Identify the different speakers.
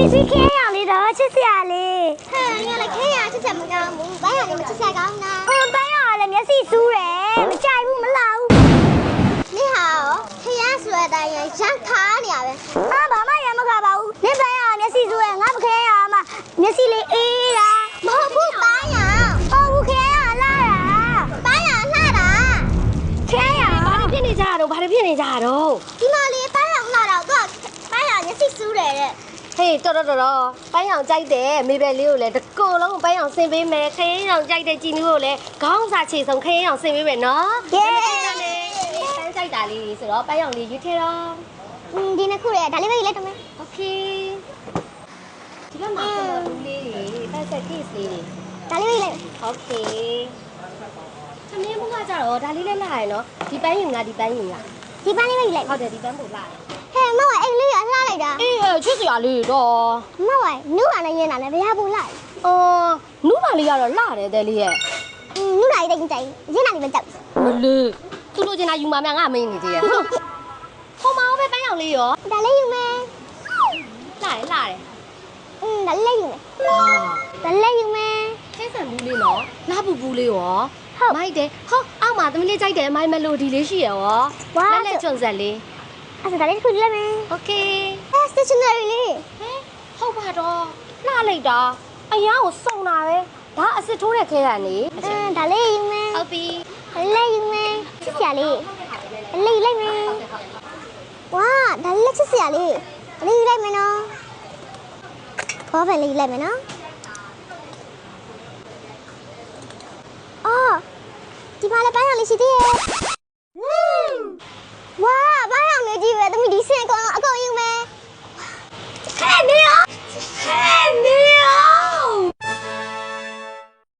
Speaker 1: စီခဲရအောင်လေးတော့ချစ်စရာလေး
Speaker 2: ဟဲ့ငါလည်းခဲရချစ်စရာမကောင်းဘူးဘိုင်းရလည်းမချစ်စရာကောင်းတာ
Speaker 1: ဘိုင်းရလည်းမျက်စိစူးတယ်မကြိုက်ဘူးမလှဘူး
Speaker 2: နေဟာရောခဲရဆိုတဲ့အတိုင်းရမ်းခါနေရပဲ
Speaker 1: ဘာမှရမခါပါဘူးနင်ဘိုင်းရမျက်စိစူးတယ်ငါမခဲရမှမျက်စိလေးအေးတာ
Speaker 2: မဟုတ်ဘူးဘိုင်းရ
Speaker 1: ဟုတ်ဘူးခဲရလှတာ
Speaker 2: ဘိုင်းရလှတာ
Speaker 1: ခဲရဘာဖြစ်နေကြတော့ဘာဖြစ်နေကြတော့
Speaker 2: ဒီမလေးဘိုင်းရလှတာတော့ဘိုင်းရမျက်စိစူးတယ်တဲ့
Speaker 3: ဟေးတော်ပိုင်းအောင်ကြိုက်တယ်မေဘယ်လေးကိုလည်းတကူလုံးပိုင်းအောင်ဆင်ပေးမယ်ခရင်အောင်ကြိုက်တဲ့ကြည်နူးကိုလည်းခေါင်းစာချေဆုံးခရင်အောင်ဆင်ပေးမယ်နော်
Speaker 1: ယေး
Speaker 3: ပန်းကြိုက်တာလေးဆိုတော့ပိုင်းအောင်လေးရွေးထဲတော့
Speaker 2: ဒီနှစ်ခုရဲ့ဒါလေးပဲလိုက်တော့မယ်
Speaker 3: โอเคဒီဘက်မှာကတော့လူလေးတွေပတ်ဆက် case လေးတွေ
Speaker 2: ဒါလေးပဲလိုက်
Speaker 3: โอเคသမီးဘုကကြတော့ဒါလေးလည်းလာရယ်နော်ဒီပန်းယူငါဒီပန်းယူငါ
Speaker 2: ဒီပန်းလေးပဲလိုက်
Speaker 3: ဟုတ်တယ်ဒီပန်းပို့လာ
Speaker 2: ဟဲ့မဝအိမ်လေးရလှလိုက်တာ
Speaker 3: အေးချစ်စရာလေးတော့
Speaker 2: မဝနုဟာနဲ့ရင်းတာနဲ့ဘယ်ဟာပူလိုက်
Speaker 3: နုပါလေးကတော့လှတယ်တဲ့လေးရဲ့
Speaker 2: နုနိုင်တဲ့ကြိုင်ရင်းတာလေးမကြောက်
Speaker 3: မလေးသူ့လိုချင်တာယူမှာများငါမင်းနေသေးရဲ့ဟုတ်ဟိုမှာပဲပန်းရောင်လေးရော
Speaker 2: ဒါလေးယူမယ်
Speaker 3: လှတယ်
Speaker 2: ဒါလေးယူမယ်ဒါလေးယူမယ်
Speaker 3: ခဲဆန်ဘူးလေးနော်လှပူပူလေးရော
Speaker 2: ဟုတ်
Speaker 3: မိုက်တယ်ဟောအောက်မှာသမီးလေးကြိုက်တယ်မိုက်မလိုဒီလေးရှိရရောလက်ချွန်ဆက်လေး
Speaker 2: အဲ့ဒါလေးခုလိုက်မယ်
Speaker 3: โอเค
Speaker 2: stationery လေး
Speaker 3: ဟဲဟုတ်ပါတော့လှလိုက်တာအရာကိုစုံတာပဲဒါအစ်စ်ထိုးတဲ့ခဲတာနေ
Speaker 2: ဒါလေးယူမယ်
Speaker 3: ဟုတ်ပြီ
Speaker 2: လေးယူမယ်ချစ်စရာလေးလေးလိုက်မယ်ဝါဒါလေးချစ်စရာလေးလေးယူလိုက်မယ်နော်ဘောပဲလေးလိုက်မယ်နော်အော်ဒီမှာလည်းပန်းရောင်လေးရှိသေးရဲ့ဝါဘာရောင်လေးကြီးပဲသမီးဒီစင်ကောင်အ